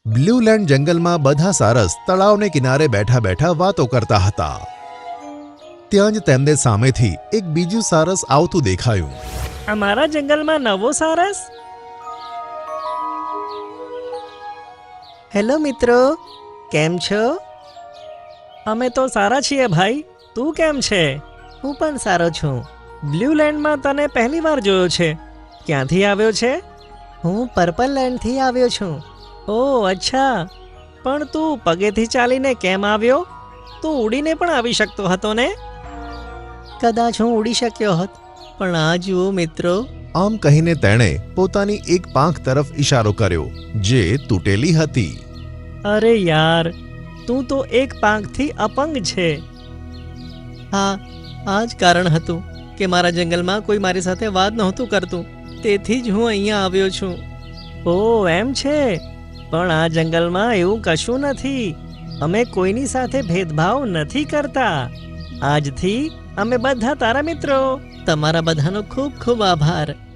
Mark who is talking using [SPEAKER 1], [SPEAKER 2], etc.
[SPEAKER 1] Blue land જંગલમાં બધા સારસ તળાવને કિનારે બેઠા બેઠા વાતો કરતા હતા. ત્યાં જ તેમને સામેથી એક બીજું સારસ આવતું દેખાયું.
[SPEAKER 2] અમારા જંગલમાં નવો સારસ. હેલો મિત્રો, કેમ છો? અમે તો સારા છીએ ભાઈ. તું કેમ છે? હું પણ સારો છું. બ્લુ લેન્ડમાં તને પહેલી વાર જોયો છે. ક્યાંથી આવ્યો છે? હું પર્પલ લેન્ડથી આવ્યો છું. ઓહ અચ્છા, પણ તું પગેથી ચાલીને કેમ આવ્યો? તું ઉડીને પણ આવી શકતો હતો ને? કદાચ હું ઉડી શક્યો હોત, પણ આ જુઓ મિત્રો.
[SPEAKER 1] આમ કહીને તેણે પોતાની એક પાંખ તરફ ઇશારો કર્યો જે તૂટેલી હતી.
[SPEAKER 2] અરે યાર, તું તો એક પાંખથી અપંગ છે. હા, આ જ કારણ હતું કે મારા જંગલમાં કોઈ મારી સાથે વાત નહોતું કરતું. તેથી જ હું અહીંયા આવ્યો છું. ઓહ એમ છે, પણ આ જંગલમાં એવું કશું નથી. અમે કોઈની સાથે ભેદભાવ નથી કરતા. આજથી અમે બધા તારા મિત્રો. તમારા બધાનો ખૂબ ખૂબ આભાર.